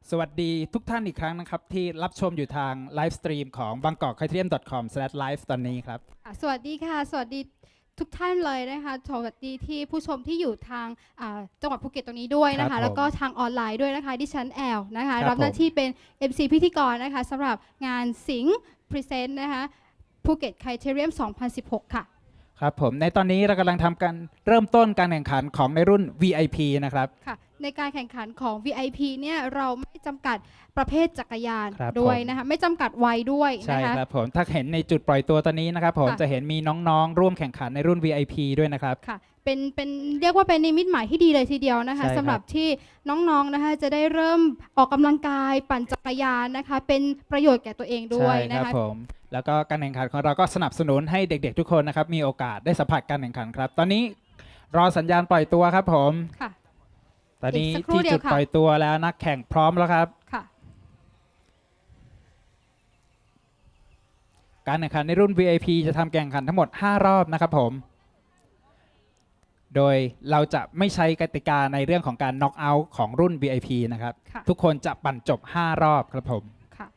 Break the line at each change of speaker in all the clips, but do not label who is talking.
สวัสดีทุกท่านอีกครั้งนะครับที่รับชมอยู่ทางไลฟ์สตรีมของ bangkokkthaithiam.com/live ตอนนี้ครับ
สวัสดีค่ะสวัสดีทุกท่านเลยนะคะสวัสดีที่ผู้ชมที่อยู่ทางจังหวัดภูเก็ตตรงนี้ด้วยนะ
ครั
คะ
บผม
แล้วก็ทางออนไลน์ด้วยนะคะดิฉันแอลนะคะ
ครับ
รับหน้า
ผม
ที่เป็น MC พิธีกรนะคะสำหรับงานสิงห์พรีเซนต์นะคะภูเก็ตไคเทเรียม 2016 ค่ะ
ครับผมในตอนนี้เรากำลังทำการเริ่มต้นการแข่งขันของในรุ่น VIP นะครับ
ค่ะในการแข่งขันของ VIP เนี่ยเราไม่จำกัดประเภทจักรยาน
ครับ
ด้วย
ผม
นะคะไม่จำกัดวัยด้วย
ใช่
นะคะ
ครับผมถ้าเห็นในจุดปล่อยตัวตอนนี้นะครับผม
ค่ะ
จะเห็นมีน้องๆ ร่วมแข่งขันในรุ่น VIP ด้วยนะครับ
ค่ะเป็นเรียกว่าเป็นนิมิตหมายที่ดีเลยทีเดียวนะคะ
ใช่ครับ
สำหรับที่น้องๆนะคะจะได้เริ่มออกกำลังกายปั่นจักรยานนะคะเป็นประโยชน์แก่ตัวเองด้วย
ใช่
นะครับ คะ
ผมแล้วก็การแข่งขันของเราก็สนับสนุนให้เด็กๆ ทุกคนนะครับมีโอกาสได้สัมผัสการแข่งขันครับ ตอนนี้รอสัญญาณปล่อยตัวครับผม
ค่ะ
ตอนนี้
อีกสักครู่
ที่
เดียว
จุด
ค่ะ
ปล่อยตัวแล้วนักแข่งพร้อมแล้วครับ
ค่ะ
การแข่งขันในรุ่น VIP จะทำแข่งขันทั้งหมด 5 รอบนะครับผม โดยเราจะไม่ใช้กติกาในเรื่องของการน็อกเอาท์ของรุ่น VIP นะครับ
ค่ะ
ทุกคนจะปั่นจบ 5 รอบครับผม
ค่ะ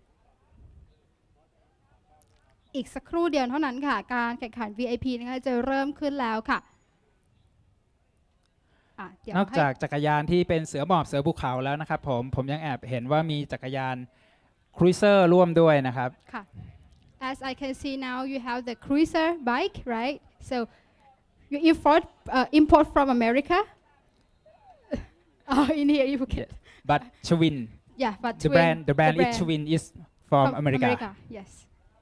อีกสักครู่เดียวเท่านั้นค่ะ การแข่งขัน VIP นะคะจะเริ่มขึ้นแล้วค่ะเดี๋ยวน
อกจากจักรยานที่เป็นเสือหมอบเสือภูเขาแล้วนะครับผมยังแอบเห็นว่ามีจักรยานครูเซอร์ร่วมด้วยนะครับ
ค่ะ As I can see now you have the cruiser bike right so you import from America in here you Phuket
but Chwin
yeah but
the brand is Chwin is from America
yes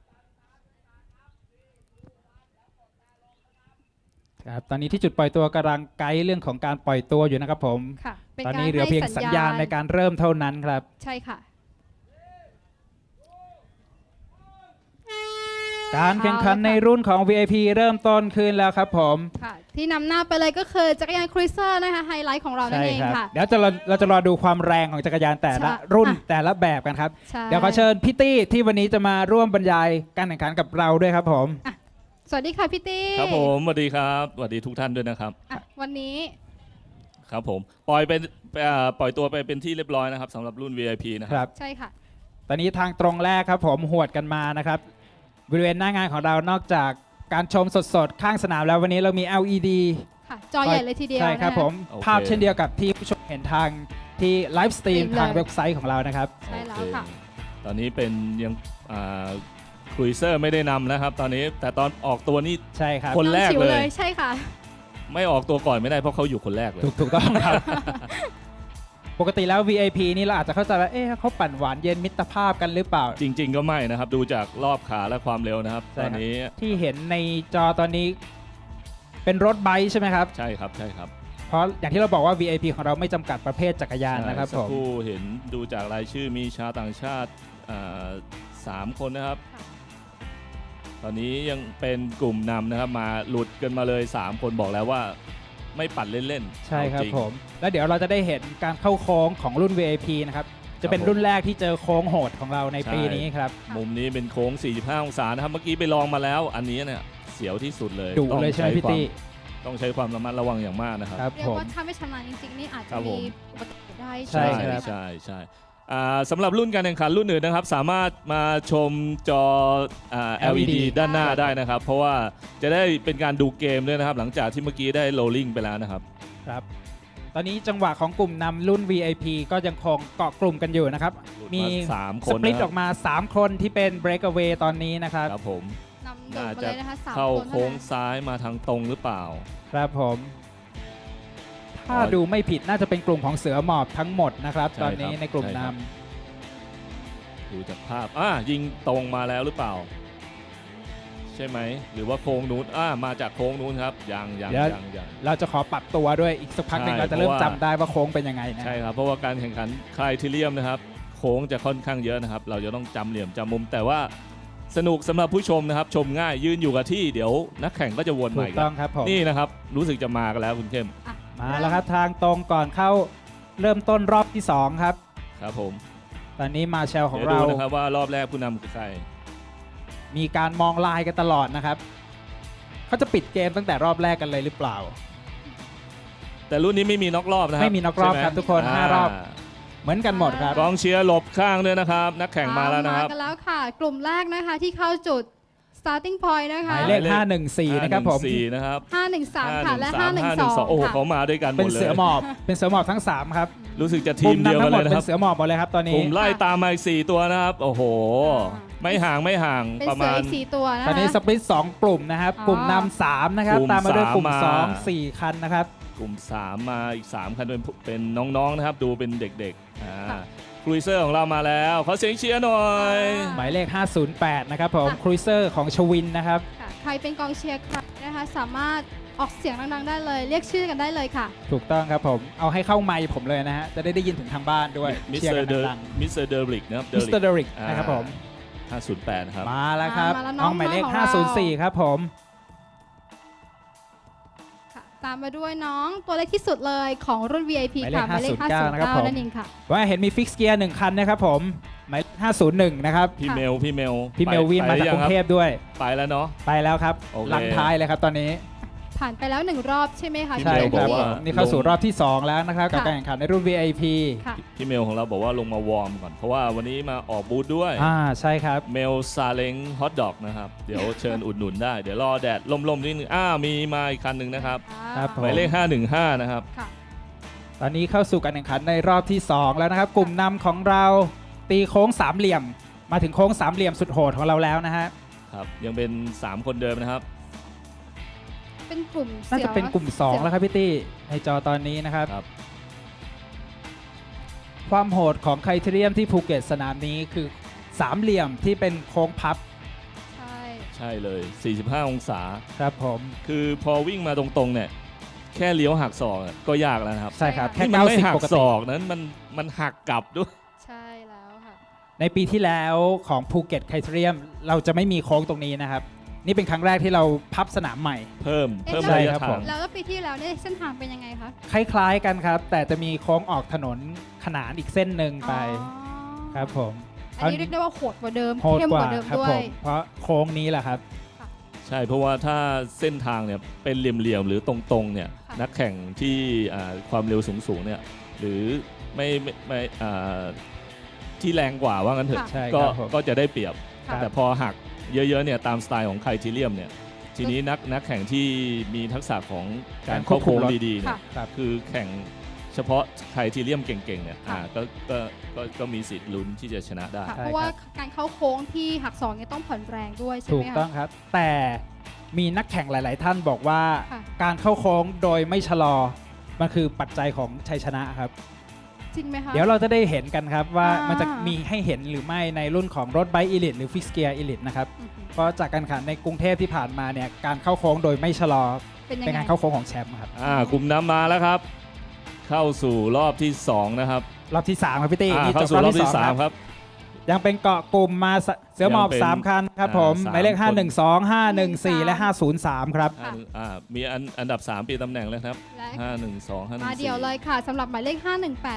ครับตอนนี้ที่จุดปล่อยตัวกำลังไกด์เรื่องของการปล่อยตัวอยู่นะครับผม
ค่ะเป็น
ตอน
การ
นี้เหลือเพียง
ให้
สัญญาณในการเริ่มเท่านั้นครับ
ใช่ค่ะ
การแข่งขันในรุ่นของ VIP เริ่มต้นขึ้นแล้วครับผม
ค่ะที่นำหน้าไปเลยก็คือจักรยานครูเซอร์นะคะไฮไลท์ของเรานั่นเอง
ครั
ค่ะ
เดี๋ยวเราจะรอดูความแรงของจักรยานแต่ละ
ใช่
รุ่น
อ่ะ
แต่ละแบบกันครับ
ใช่
เดี๋ยวขอเชิญพี่ตี้ที่วันนี้จะมาร่วมบรรยายการแข่งขันกับเราด้วยครับผม
สวัสดีค่ะพี่ตี้
ครับผมสวัสดีครับสวัสดีทุกท่านด้วยนะครับ
วันนี้
ครับผมปล่อยตัวไปเป็นที่เรียบร้อยนะครับสำหรับรุ่น VIP นะค
ครับ รับ
ใช่ค่ะ
ตอนนี้ทางตรงแรกครับผมหวดกันมานะครับบริเวณหน้างานของเรานอกจากการชมสดๆข้างสนามแล้ววันนี้เรามี LED
ค่ะจอใหญ่เลยทีเดียว
ใช่ครับ
นะะ
ผม
โอเค
ภาพเช่นเดียวกับที่ผู้ชมเห็นทางที่ไลฟ์สตรีม
เลย
ทางเว็บไซต์ของเรานะครับ
ใช่แล้ว
โอเ
ค่ะ
ตอนนี้เป็นยังครูเซอร์ไม่ได้นำนะครับ ตอนนี้แต่ตอนออกตัวนี่
ใช่ครับ
คนแรก
องฉิว
เลย
ใช่ค่ะ
ไม่ออกตัวก่อนไม่ได้เพราะเขาอยู่คนแรกเลย
ถูกต้องครับ ปกติแล้ว VIP นี่เราอาจจะเข้าใจว่าเอ๊ะเขาปั่นหวานเย็นมิตรภาพกันหรือเปล่า
จริง ๆ ก็ไม่นะครับ ดูจากรอบขาและความเร็วนะครับ
ใช่
ต
ครั
อบ นนี้
ที่เห็นในจอตอนนี้เป็นรถไบค์ใช่ไหมครับ
ใช่ครับใช่ครับ
เพราะอย่างที่เราบอกว่า VIP ของเราไม่จำกัดประเภทจักรยานนะครับ
ใช่
ผ
สัก
ม
ครู่เห็นดูจากรายชื่อมีชาวต่างชาติ3 คนนะครับ
ค่ะ
ตอนนี้ยังเป็นกลุ่มนำนะครับมาหลุดกันมาเลย 3 คนบอกแล้วว่าไม่ปั่นเล่นๆ
ใช่ครับ
เอาจง
ผม แล้วเดี๋ยวเราจะได้เห็นการเข้าโค้งของรุ่น VIP นะครับ จะเป็น
ผม
รุ่นแรกที่เจอโค้งโหดของเราใน
ใช่
ปีนี้ครับ
มุมนี้เป็นโค้ง 45 องศานะครับ เมื่อกี้ไปลองมาแล้ว อันนี้เนี่ยเสียวที่สุดเลย
ดุเลยใช่ไหมพี่ตี้
ต้องใช้ความระมัดระวังอย่างมากนะครับ
ครับ
เรีย
ผ
ก
ม
ว่าถ้าไม่ชำนาญจริงๆนี่อาจ
ค
จะ
รับผ
มี
ม
อุบัติเหตุได้
ใช่
ไหม
ครับ
ะ
ใช่สำหรับรุ่นการแข่งขันรุ่นอื่นนะครับ สามารถมาชมจอLED ด้านหน้าได้นะครับ เพราะว่าจะได้เป็นการดูเกมด้วยนะครับ หลังจากที่เมื่อกี้ได้โรลลิ่งไปแล้วนะครับ
ครับ ตอนนี้จังหวะของกลุ่มนำรุ่น VIP ก็ยังคงเกาะกลุ่มกันอยู่นะครับ มี
3 ค
ส
น
ปลิต
นะค
อ
รั
อบ กมา 3 คนที่เป็น breakaway ตอนนี้นะครับ
ครับผม
นำโดด
น่า
มา
จะ
เลยนะคะ3
เข้า
คน
โค้ง
เท่านั้น
ซ้ายมาทางตรงหรือเปล่า
ครับผม ถ้าดูไม่ผิดน่าจะเป็นกลุ่มของเสือหมอบทั้งหมดนะครับ
ใช่
ตอนนี้
ครับ
ในกลุ่ม
ใช่
น
ครับ ดูจากภาพยิงตรงมาแล้วหรือเปล่า ใช่ไหม หรือว่าโค้งนู้นมาจากโค้งนู้นครับยัง
ำเราจะขอปรับตัวด้วยอีกสักพักหนึ่ง
ใช่
เราจะเริ่ม
เพราะว่า
จำได้ว่าโค้งเป็นยังไงนะ
ใช่ครับ เพราะว่าการแข่งขันคลายทีเรียมนะครับ โค้งจะค่อนข้างเยอะนะครับ เราจะต้องจำเหลี่ยมจำมุม แต่ว่าสนุกสำหรับผู้ชมนะครับ ชมง่ายยืนอยู่กับที่เดี๋ยวนักแข่งก็จะวน
ถู
ใหม่
ก
กั
ต้องครับผม
นี่นะครับ รู้สึกจะมากันแล้วคุณเข้ม
มาแล้วครับทางตรงก่อนเข้าเริ่มต้นรอบที่ 2 ครับ
ครับผม
ตอนนี้มาเชลของ
เดี๋ยว
เรา
ดูนะครับว่ารอบแรกผู้นำคือใคร
มีการมองลายกันตลอดนะครับเขาจะปิดเกมตั้งแต่รอบแรกกันเลยหรือเปล่า
แต่รุ่นนี้ไม่มีน็อกรอบนะครับ
ไม่มีน็อกรอบ
ใช่ห
ครับทุกคน5รอบเหมือนกันหมดครับ
กองเชียร์หลบข้างด้วยนะครับ นักแข่งมาแล้วนะครับ
มากันแล้วค่ะ กลุ่มแรกนะคะที่เข้าจุด starting point นะ
ห
คะ
มายเลข 514 นะครับผม
514นะครับ
513 ค่ะ และ
512โอ้โห
512
เขา
ค่ะ
มาด้วยกันหม
เป็น
ดเลย
เสือหมอบ เป็นเสือหมอบทั้ง 3 ครับ
รู้สึกจะที
กลุ่
ม
ม
เดียว
นำ
กั
ทั้
น
งหม
เล
ด
ยนะ
เป็
ครับ
นเสือหมอบหมดเลยครับตอน
ก
นี้
ลุ่มไล่ตามมาอีก4ตัวนะครับ โอ้โห ไม่ห่างไม่ห่าง
เป็น
ประ
เสื
มา
อ
ณ
อีก4ตัวนะคะ
ตอนนี้สปริต2 กลุ่มนะครับ
อ๋อ
กลุ่มนำ3นะครับ
กลุ่ม
ตามมาด้วยกลุ่ม
สามมา
2 4 คันนะครับ
กลุ่ม 3 มาอีก 3 คันเป็นน้องๆนะครับ ดูเป็นเด็กๆครูเซอร์ของเรามาแล้วขอเสียงเชียร์หน่อย
หมายเลข 508 นะครับผม ครูเซอร์ของชวินนะครับ
ค่ะใครเป็นกองเชียร์ใครนะคะ สามารถออกเสียงดังๆได้เลย เรียกชื่อกันได้เลยค่ะ
ถูกต้องครับผม เอาให้เข้าไมค์ผมเลยนะฮะ จะได้ยินถึงทางบ้านด้วย
มิส
เชีย
เตอ
ร์
ร์เด
กัน
อ
ดัง
มิสเตอร์เดอริกนะครับ
ๆมิสเตอร์เดริกนะครับผม
508นะครับ
มาแล้วครับ
มาแล้วน้
น้
อ
อง งหมายเลข
ของเรา
504 ครับผม
ค่ะตามมาด้วยน้องตัวเล็กที่สุดเลยของรุ่น VIP ค่ะ หมายเลข
509 นะครับผม
509 นั่นเองค่ะ
ว่าเห็นมีฟิกเกียร์1คันนะครับผม หมายเลข501 นะครับ
พี่เมล
พี่เมลวินมาจากกรุงเทพด้วย
ไปแล้วเนาะ
ไปแล้วครับ
โอเค
หลังท้ายเลยครับตอนนี้
ผ่านไปแล้ว 1 รอบใช่ไหมคะ
พี่
ใช่
เมล
ครับ
อกว่า
นี่เข้าสู่รอบที่ 2 แล้วนะครับ กับ
ค่ะ
การแข่งขันในรุ่น VIP
ค่ะ
พี่เมลของเราบอกว่าลงมาวอร์มก่อน เพราะว่าวันนี้มาออกบูธด้วย
ใช่ครับ
เมลซาเล้งฮอทดอกนะครับ เดี๋ยวเชิญอุดหนุนได้ เดี๋ยวรอแดดล่มๆนิดนึงมีมาอีกคันหนึ่งนะครับ
ครับผม
หมายเลข 515 นะครับ
ค่ะ
ตอนนี้เข้าสู่การแข่งขันในรอบที่ 2 แล้วนะครับ กลุ่มนำของเราตีโค้งสามเหลี่ยม มาถึงโค้งสามเหลี่ยมสุดโหดของเราแล้วนะฮะ
ครับ ยังเป็น 3 คนเดิมนะครับ
เป็นกลุ่ม
น่าจะเป็นกลุ่ม 2 แล้วครับพี่ตี้ในจอตอนนี้นะครับ
ครับ
ความโหดของไครเทเรียมที่ภูเก็ตสนามนี้คือสามเหลี่ยมที่เป็นโค้งพับ
ใช่
ใช่เลย 45 องศา
ครับผม
คือพอวิ่งมาตรงๆเนี่ย แค่เลี้ยวหักศอกก็ยากแล้วนะครับ
ใช่ครับ แค่
นี่มันไม่หั
90
ก
ปก
ศ
ติ
อกนั้นมันหักกลับด้วย
ใช่แล้วค่ะ
ในปีที่แล้วของภูเก็ตไครเทเรียมเราจะไม่มีโค้งตรงนี้นะครับ นี่เป็นครั้งแรกที่เราพับสนามใหม่
เพิ่ม
ใช่
ระยะ
ครับ
ทา
ผ
ง
ม
แล้วก็ปีที่แล้วเนี่ยเส้นทางเป็นยังไงคะ
คล้ายๆกันครับ แต่จะมีโค้งออกถนนขนานอีกเส้นหนึ่งไป
อ๋อ
ครับผม
อันนี้เรียกได้ว่าโหดกว่าเดิม
โหด
เข้ม
ก
ก
ว่า
ว่าเดิม
ครับ
ด้ว
ผ
ย
มเพราะโค้งนี้แหละครับ
ใช่ เพราะว่าถ้าเส้นทางเนี่ยเป็นเหลี่ยมๆหรือตรงๆเนี่ย
ค่ะ
นักแข่งที่ความเร็วสูงๆเนี่ยหรือไม่ที่แรงกว่าว่างั้นเถอะ
ใช่
ก็
ครับผม
ก็จะได้เปรียบ
ค่ะ
แต่พอหักเยอะๆเนี่ยตามสไตล์ของไครทีเรียมเนี่ยทีนี้นักแข่งที่มีทักษะของการเข้าโค้งดีๆเนี่ย
ค่ะ
ครับ
คือแข่งเฉพาะไครทีเรียมเก่งๆเนี่ย
ค่ะ
ก็มีสิทธิ์ลุ้นที่จะชนะได้
ค่ะ
ใช่
เพราะว่า
ครับ
การเข้าโค้งที่หักศอกเนี่ยต้องผ่อนแรงด้วยใช่
ถู
ไหม
ก
คะ
ต้องครับ แต่มีนักแข่งหลาย ๆ ท่านบอกว่า
ค่ะ
การเข้าโค้งโดยไม่ชะลอ มันคือปัจจัยของชัยชนะครับ
จริงไหมคะ
เดี๋ยวเราจะได้เห็นกันครับว่า
อ่ามั
มันจะมีให้เห็นหรือไม่ในรุ่นของรถไบค์อีลิทหรือฟิกเกียร์อีลิทนะครับ
อือหือ
เพราะจากการแข่งขันในกรุงเทพที่ผ่านมาเนี่ยการเข้าโค้งโดยไม่ชะลอ
เป็นยัง
เป็น
ไง
การเข้าโค้งของแชมป์ครับ
กลุ่มน้ำมาแล้วครับ เข้าสู่รอบที่ 2 นะครับ
รอบที่3ครับพี่ตี้นี่จ
เข้า
บ
สู่รอบที่
2
3 ครับ
ยังเป็นเกาะกลุ่มมาเสือหมอบ
ยังเป็น
3 คันครับผม
สาม
หมายเลข
คน
512 514 และ 503 ครับ
มีอันดับ 3 ปีตำแหน่งแล้วครับ
และ
512 514
มาเดี่ยวเลยค่ะสำหรับหมายเลข 518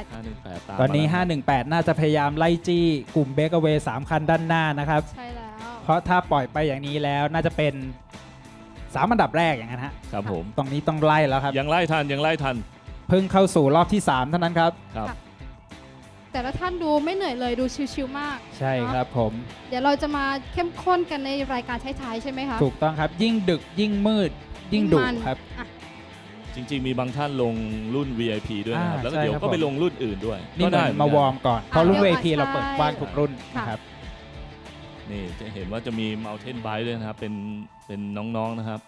518ตาม
ตอนนี้
มาแล้วครับ
518 น่าจะพยายามไล่จี้กลุ่มเบเกอร์เวย์3คันด้านหน้านะครับ
ใช่แล้ว
เพราะถ้าปล่อยไปอย่างนี้แล้วน่าจะเป็น3อันดับแรกอย่างนั้นฮะ
ครับผม
ตรงนี้ต้องไล่แล้วครับ
ยังไล่ทัน
เพิ่งเข้าสู่รอบที่ 3 เท่านั้นครับ
ครับ
ค่ะ แต่ละท่านดูไม่เหนื่อยเลยดูชิวๆมาก
ใช่ครับผม
เดี๋ยวเราจะมาเข้มข้นกันในรายการท้ายๆใช่ไหมคะ
ถูกต้องครับ ยิ่งดึกยิ่งมืด ยิ่งดุ
มัน
ครับ
อ่ะ
จริริง ๆ มีบางท่านลงรุ่น VIP ด้วยนะครับ แล้วก็
ใช่
เดี๋ยว
ครับ
ก็ไป
ผม
ลงรุ่นอื่นด้วย
นี่เหมื
ได้
อนมาวอร์มก่อน เพราะรุ่น
เดี๋ยว
VIP เราเปิดกว้างทุกรุ่น
ค่ะ
นะครับ
นี่จะเห็นว่าจะมี Mountain Bike ด้วยนะครับ เป็นน้องๆนะครับ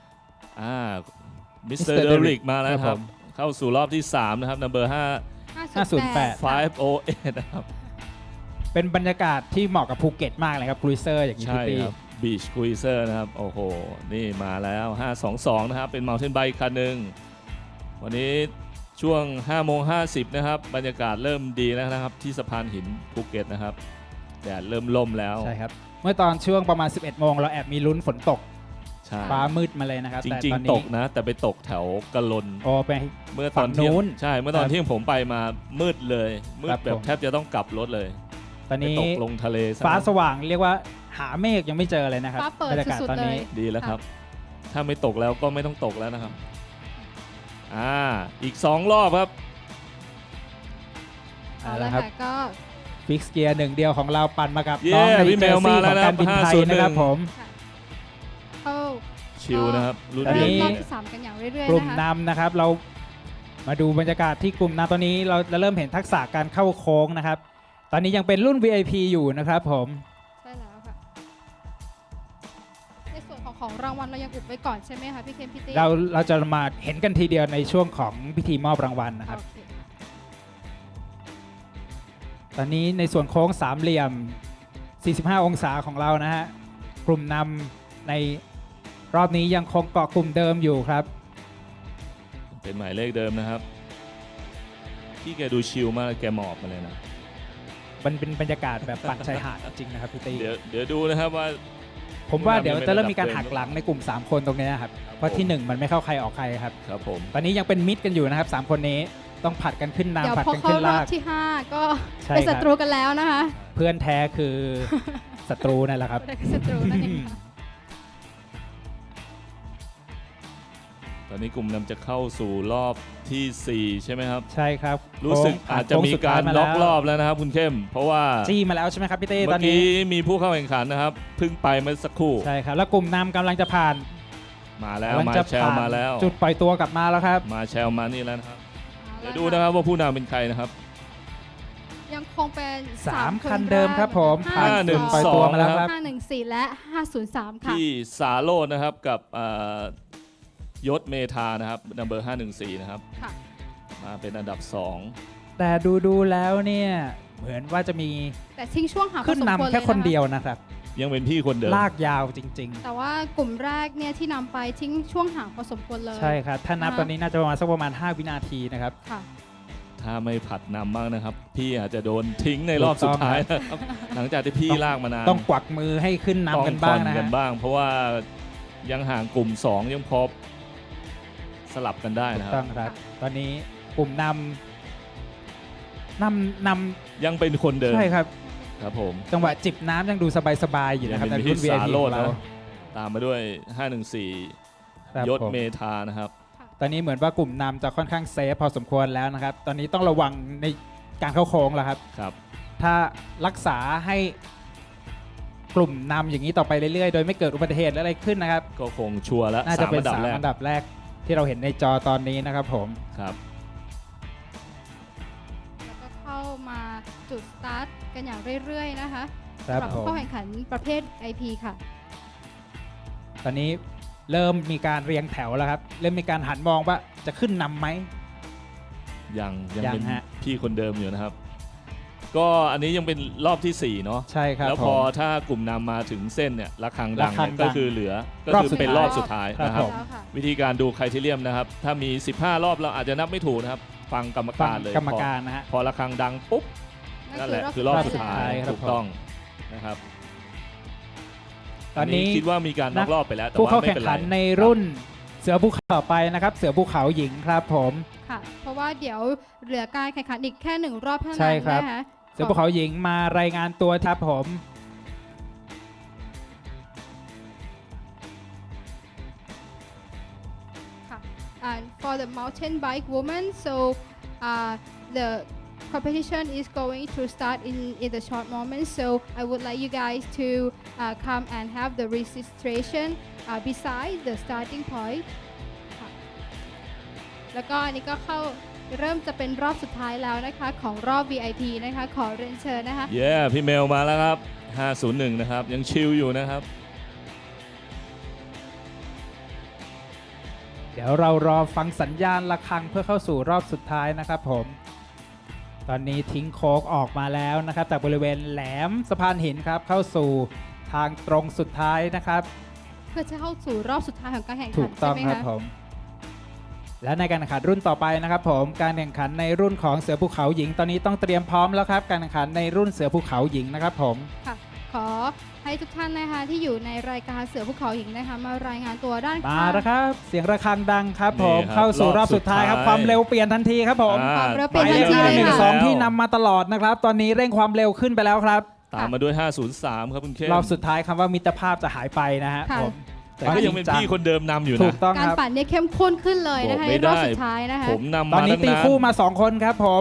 มิสเตอ
Mr.
ร์เด
Derrick
ริกมาแล้วค
ครั
รับ
บผม
เข้าสู่รอบที่ 3 นะครับ number
508
508นะครับ
เป็นบรรยากาศที่เหมาะกับภูเก็ตมากเลยครับครูเซอร์อย่างนี้
ใช่
พี่ตี้
ครับ Beach Cruiser นะครับ โอ้โห นี่มาแล้ว 522 นะครับ เป็น Mountain Bike คันหนึ่งวันนี้ช่วง 5:50 นะครับ บรรยากาศเริ่มดีแล้วนะครับ ที่สะพานหินภูเก็ตนะครับ แดดเริ่มล่มแล้ว
ใช่ครับ เมื่อตอนช่วงประมาณ 11 โมงเราแอบมีลุ้นฝนตก
ใช่
ฟ้ามืดมาเลยนะครับ
จ
แต่
ริง
ตอน
ๆ ต
นี้
กนะ แต่ไปตกแถวกะลน
โอ้ไป
เมื่อตอนเที่ย
ฝั่งนู้
ง
น
ใช่ เมื่อตอน
ครับ
เที่ยงผมไปมามืดเลย มื
ครั
ด
บ
แบบ
ผม
แทบจะต้องกลับรถเลย
ตอน
ไป
นี้
ตกลงทะเลซะ
ฟ้าสว่างเรียกว่าหาเมฆยังไม่เจอเลยนะครับ
ฟ้าเปิด
บรรยากาศ
สุดๆ
ตอนนี้
เลย
ดีแล้วครับ ถ้าไม่ตกแล้วก็ไม่ต้องตกแล้วนะครับอีก 2 รอบครับ
เอาละ
ครั
ค่ะ
บ
ก็
ฟิกเกียร์หนึ่งเดียวของเราปั่นมากับ
เย้
น้องใน
พี่
เจ
เม
อ
ล
ร์ซี่
มา
ข
แล้
อ
ว
ง
นะ
การบินไทย
501
นะครับผม
เข้า
ชิลนะครับรุ่น
ตอนนี้
นี้
รอบที่ 3 กันอย่างเรื่อย
ก
ๆ
ลุ่ม
นะคะ
นำนะครับเรามาดูบรรยากาศที่กลุ่มนำตอนนี้เราจะเริ่มเห็นทักษะการเข้าโค้งนะครับ ตอนนี้ยังเป็นรุ่น VIP อยู่นะครับผม
ใช่แล้วค่ะ ในส่วนของรางวัลเรายังอุบไว้ก่อนใช่ไหมคะพี่เคนพี่ตี้
เราจะมาเห็นกันทีเดียวในช่วงของพิธีมอบรางวัลนะครับ
โอเคค่ะ
ตอนนี้ในส่วนโค้งสามเหลี่ยม 45 องศาของเรานะฮะ กลุ่มนำในรอบนี้ยังคงเกาะกลุ่มเดิมอยู่ครับ
เป็นหมายเลขเดิมนะครับพี่แกดูชิลมากแกหมอบมาเลยนะ
มันเป็นบรรยากาศแบบปั่นชายหาดจริงๆนะครับพี่ตี
เดี๋ยวดูนะครับว่า
ผมว่าเดี๋ยวจะเริ่มมีการหักหลังในกลุ่ม 3 คนตรงนี้นะครับ เพราะที่ 1 มันไม่เข้าใครออกใครครับ
ครับผม
ตอนนี้ยังเป็นมิดกันอยู่นะครับ 3 คนนี้ต้องผัดกันขึ้น
เดี๋ยว
น้ำผัด
พอ
กัน
เข้า
ขึ้น
รอ
ลา
บ
ก
ที่ 5 ก็
ใช่
เป็น
ครั
ศั
บ
ตรูกันแล้วนะคะ
เพื่อนแท้คือศัตรูนั่นแหละครับ
เป็นศัตรูนั่นเองค่ะ
ตอนนี้กลุ่มนำจะเข้าสู่รอบทีสี่4 ใช่ไหมครับ
ใช่ครับ
รู้สึก
โค้งผ่
อาจจะมีการ
โค้งสุดท้ย
ล็อกรอบ
แล้ว
แล้วนะครับคุณเข้ม เพราะว่า
จี้มาแล้วใช่ไหมครับพี่เต้ต
เมื่
อ
อน
นี้
กี้มีผู้เข้าแข่งขันนะครับเพิ่งไปเมื่อสักครู่
ใช่ครับแล้วกลุ่มนำกำลังจะผ่าน
มาแล้ว
กำลัง
มา
จะ
แชลมาแล้ว
จุดปล่อยตัวกลับมาแล้วครับ
มาแชลมานี่แล้วนะครับ
เอา
เดี๋ยว
ละ
ดูนะครับว่าผู้นำเป็นใครนะครับ
ยังคงเป็น
3
ค
คัน
แรก
เดิมครับผมผ่าน
5-1
จุดปล่อยตัวมาแล้วครับ
514 และ 503 ค่ะ
ที่สาโรจน์นะครับกับยศเมธานะครับนัมเบอร์514นะครับ
ค่ะ
มาเป็นอันดับ
แต่ดูแล้วเนี่ยเหมือนว่าจะมี
แต่ทิ้งช่วงห่างพอ
ขึ้น
สมควร
นำแค่
เลย
คน
นะคะ
เดียวนะครับ
2 ยังเป็นพี่คนเดิม
ลากยาวจริง
แต่ว่ากลุ่มแรกเนี่ยที่นำไปทิ้งช่วงห่างพอสมควรเลย
ๆ ใช่ครับ ถ้านับ
นะคะ
ตอนนี้น่าจะประมาณสักประมาณ 5 วินาทีนะครับ
ค่ะ
ถ้าไม่ผัดนำบ้างนะครับ พี่อาจจะโดนทิ้งในรอบสุดท้ายนะครับ หลังจากที่พี่ลากมานาน
ต้องกวักมือให้ขึ้นนำกัน
ต้อง
บ้าง
ผ่อ
นะ
กั
ฮะ
นบ้าง เพราะว่ายังห่างกลุ่ม 2 ยังพอสลับกันได้
ถู
นะ
ก
ค
ต้
รั
อบ งครับ ตอนนี้กลุ่มนำ
ยังเป็นคนเดิม
ใช่ครับ
ครับผม
จังหวะจิบน้ำยังดูสบายๆอยู่นะครับ
ยัง
ใน
เป็น
รุ่น
พี่
VIP
สาโร
ข
จ
อง
น์
เรา
นะ ตามมาด้วย
ครับ
514 ยศ
ผม
เมธานะครับ
ตอนนี้เหมือนว่ากลุ่มนำจะค่อนข้างเซฟพอสมควรแล้วนะครับ ตอนนี้ต้องระวังในการเข้าโค้งแล้วครับ
ครับ
ถ้ารักษาให้กลุ่มนำอย่างนี้ต่อไปเรื่อยๆ โดยไม่เกิดอุบัติเหตุอะไรขึ้นนะครับ
ก็คงชัวร์แล้ว
น่าจะ
3
เป็น
อันดับ
3
แรก
อันดับแรกที่เราเห็นในจอตอนนี้นะครับผม
ครับ
แล้วก็เข้ามาจุดสตาร์ทกันอย่างเรื่อยๆนะคะ
ครับ
สำหรับ
ผม
ผู้เข้าแข่งขันประเภท IP ค่ะ
ตอนนี้เริ่มมีการเรียงแถวแล้วครับ เริ่มมีการหันมองว่าจะขึ้นนำไหม
ยัง
ยัง
เป็น
ฮะ
พี่คนเดิมอยู่นะครับ ก็อันนี้ยังเป็นรอบที่ 4 เนาะ
ใช่ครับ
แล้ว
ผ
พอ
ม
ถ้ากลุ่มนำมาถึงเส้นเนี่ยระฆังดัง
ระฆัง
เนี่ย
ดั
ก็
ง
คือเหลือก็
รอบ
คือ
สุด
เป็น
ท้าย
รอบสุดท้าย
ครับ
นะครับ
ผม
แล้วค่ะ
วิธีการดูไครทีเรียมนะครับ ถ้ามี 15 รอบเราอาจจะนับไม่ถูกนะครับ ฟังกรรม
ฟั
กาง รเลย
กรรมการนะฮะ
พอระฆังดังปุ๊บนั่นแหละคือรอบสุดท้าย
ครับ
ถูกต้องนะครับ
ตอนนี้
คิดว่ามีการน็อกรอบไปแล้วแต่
ผู้
ว่า
เข้า
ไม่
แข่ง
เป็นไร
ขันในรุ่นเสือภูเขาต่อไปนะครับ เสือภูเขาหญิงครับผม
ค่ะ เพราะว่าเดี๋ยวเหลือการแข่งขันอีกแค่1 รอบเท่า
ใช่
นั้น
ครับ
นะคะ
เสือภูเขาหญิงมารายงานตัวครับผม
ค่ะ and for the mountain bike woman so the competition is going to start in the short moment so I would like you guys to come and have the registration beside the starting point ค่ะแล้วก็อันนี้ก็เข้าเริ่มจะเป็นรอบสุดท้ายแล้วนะคะของรอบ VIP นะคะขอเรียนเชิญนะคะ
เย้พี่เมลมาแล้วครับ 501 นะครับ ยังชิลอยู่นะครับ
เดี๋ยวเรารอฟังสัญญาณระฆังเพื่อเข้าสู่รอบสุดท้ายนะครับผม ตอนนี้ทิ้งโค้งออกมาแล้วนะครับจากบริเวณแหลมสะพานหินครับเข้าสู่ทางตรงสุดท้ายนะครับ
เพื่อจะเข้าสู่รอบสุดท้ายของการแข่ง
ถู
ขัน
กต้อง
ใช่ไหม
ครับ
คะ
ผม และในการแข่งขันรุ่นต่อไปนะครับผมการแข่งขันในรุ่นของเสือภูเขาหญิง ตอนนี้ต้องเตรียมพร้อมแล้วครับการแข่งขันในรุ่นเสือภูเขาหญิงนะครับผม
ค่ะขอให้ทุกท่านนะคะที่อยู่ในรายการเสือภูเขาหญิงนะคะมารายงานตัวด้าน
มา
ข้าง
แล้วครับเสียงระฆังดังครับผม
นี่ครับ
เข้าสู่รอบสุดท้ายครับ
รอบสุดท้าย
ความเร็วเปลี่ยนทันทีครับผม
ความเร็ว
ไป
เปลี่ยนทันที
หมายเลข
เลย
หนึ่ง
ค่ะ
สองที่นำมาตลอดนะครับ ตอนนี้เร่งความเร็วขึ้นไปแล้วครับ
ตามมาด้วย 503 ครับคุณเข้ม
รอบสุดท้ายคำว่ามิตรภาพจะหายไปนะฮะ
ค่ะ
ผม
แต่ก็ยังเป็นพี่คนเดิมนำอยู่
ถู
นะ
กต้อง
การ
ครับ
ปั่นเนี่ยเข้มข้นขึ้นเลยนะคะ
บอก
ใน
ไม่
รอบ
ได้
สุดท้ายนะคะ
ผมนำ
ตอน
มา
นี้
ตั้ง
ตี
นาน
คู่มา 2 คนครับผม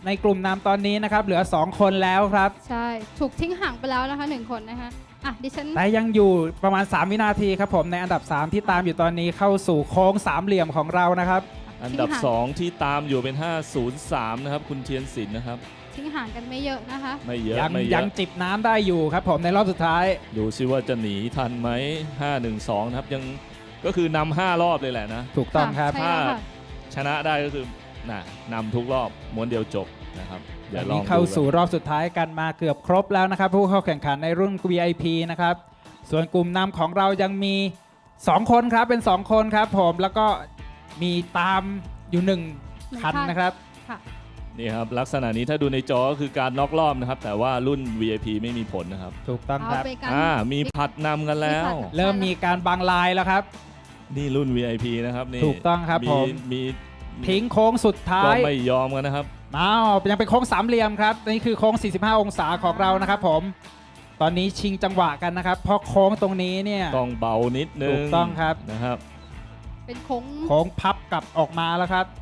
ในกลุ่มนำตอนนี้นะครับเหลือ 2 คนแล้วครับ
ใช่ ถูกทิ้งห่างไปแล้วนะคะ1คนนะคะอ่ะดิฉัน
แต่ยังอยู่ประมาณ 3 วินาทีครับผมในอันดับ 3 ที่ตามอยู่ตอนนี้เข้าสู่โค้งสามเหลี่ยมของเรานะครับ
อันดับ
ทิ้งห่าง
2 ที่ตามอยู่เป็น 503 นะครับ คุณเทียนศิลป์นะครับ
ทิ้งห่างกันไม่เยอะนะคะ
ไม่เยอะ
ยัง
ไม่เย
ยั
อะ
งจิบน้ำได้อยู่ครับผมในรอบสุดท้าย
ดูซิว่าจะหนีทันไหม 512 นะครับ ยังก็คือนำ5 รอบเลยแหละนะ
ถูกต้องครับ
ใช่แล้วค่ะ
ชนะได้ก็คือน่ะนำทุกรอบม้วนเดียวจบนะครับ เดี๋
อั
ยวน ลอ
นี้
ง
เข้า
ดู
สู่
กัน
รอบสุดท้ายกันมาเกือบครบแล้วนะครับ ผู้เข้าแข่งขันในรุ่น VIP นะครับ ส่วนกลุ่มนำของเรายังมี 2 คนครับเป็น 2 คนครับผมแล้วก็มีตามอยู่ 1 คันนะครับ
ค่ะ
นี่ครับ ลักษณะนี้ถ้าดูในจอก็คือการน็อกรอบนะครับ แต่ว่ารุ่น VIP ไม่มีผลนะครับ
ถูกต้อง
เอา
ครับ
ไปกัน
มีผัดนำกันแล้ว
มีผัด
เริ่มมีการบังลายแล้วครับ
นี่รุ่น VIP นะครับนี่
ถูกต้องครับผม
มี
ทิ้งโค้งสุดท้า
ก็
ย
ไม่ยอมกันนะครับ
อ้าวยังเป็นโค้งสามเหลี่ยมครับนี่คือโค้ง 45 องศาของเรานะครับผมตอนนี้ชิงจังหวะกันนะครับ เพราะโค้งตรงนี้เนี่ย
ต้องเบานิดนึง
ถูกต้องครับ
นะครับ
เป็นโค้ง
โค้งพับกลับออกมาแล้วครับ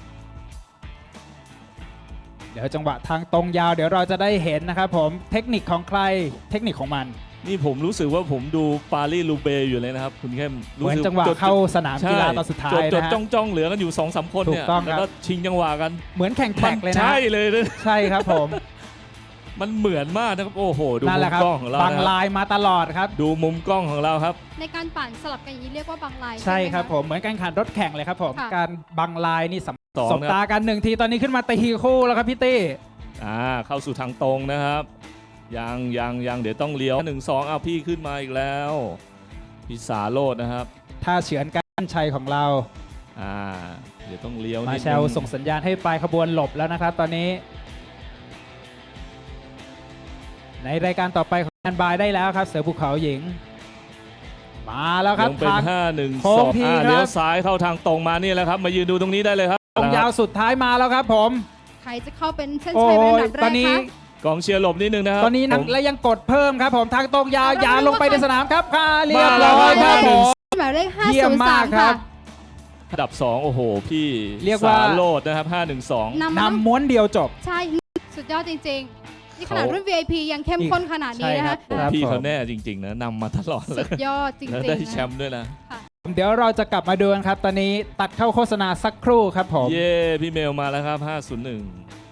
เดี๋ยวจังหวะทางตรงยาวเดี๋ยวเราจะได้เห็นนะครับผมเทคนิคของใครเทคนิคของมัน
นี่ผมรู้สึกว่าผมดูปารีสลูเบอยู่เลยนะครับ คุณเข้ม
เหมือน
สึก
จังหวะ
จด
เข้าสนามกีฬา
ใช่
ตอนสุดท้าย
จด
นะฮะ
จ้องเหลือกันอยู่ 2-3 คนเนี่ย
ถูกต้องครับ
แล้วก็ชิงจังหวะกัน
เหมือนแข่งแท็กเลยนะ
ใช่เลยนะ
ใช่ครับผม
มันเหมือนมากนะครับโอ้โหดู
นั่น
มุ
แหละ
ม
ครับ
กล้องของเรา
บัง
นะครับ
ลายมาตลอดครับ
ดูมุมกล้องของเราครับ
ในการปั่นสลับกันอย่างนี้เรียกว่าบังลาย
ใช่
ไหะ
ครับผมเหมือนการแข่งรถแข่งเลยครับผม
ค่ะ
การบังลายนี่
สอง
สบ
นะครับ
ตากันหนึ่งทีตอนนี้ขึ้นมาตีคู่แล้วครับพี่ตี้
เข้าสู่ทางตรงนะครับยังเดี๋ยวต้องเลี้ยว1-2เอาพี่ขึ้นมาอีกแล้วพี่สาโรจน์นะครับ
ถ้าเฉือนกันชัยของเรา
เดี๋ยวต้องเลี้ยว
มา
นิด
แช
นึ
ล
ง
ส่งสัญญาณให้ปลายขบวนหลบแล้วนะครับ ตอนนี้ ในรายการต่อไปของแอนบายได้แล้วครับ เสือภูเขาหญิง มาแล้วครับ
ยังเป็น
ทาง โค้ง
5-1-2
ทีครับ
เลี้ยวซ้ายเข้าทางตรงมานี่แหละครับ มายืนดูตรงนี้ได้เลยครับ
ตรงยาวสุดท้ายมาแล้วครับผม
ใครจะเข้าเป็นเส้น
โอ้
ชัยเป็นอัน
ย
ดับแร
ตอก นนี้
คะ
กองเชียร์หลบนิดนึงนะครับ
ตอนนี้นัก
ผม
และยังกดเพิ่มครับผมทางตรงยาว
เอาละ
อย่าลงไปในสนามครับค่ะเรียบ
มาแล้
ร้
ว
อยครับผม
หมายเลข
เยี่ยมมากค
503
รั
ค่ะ
บ
อันดับ 2 โอ้โห พี่
เรียกว่า
สาโรจน์นะครับ 5-1-2
นำมาตั้ง
นำม้วนเดียวจบ
ใช่ สุดยอดจริงๆ นี่ขนาด
เขา
รุ่น VIP ยังเข้มข้นขนาดนี้นะ
ใช่ครั
คะ
บ ครับ
พี่
ผม
เขาแน่จริง ๆ นะนำมาตลอดเล
สุ
ย
ดยอดจริง
แล้ว
ๆ
ได้
นะ
แชมป์ด้วยนะ
เดี๋ยวเราจะกลับมาดูกันครับ ตอนนี้ตัดเข้าโฆษณาสักครู่ครับผม
เย้ พี่เมลมาแล้วครับ 501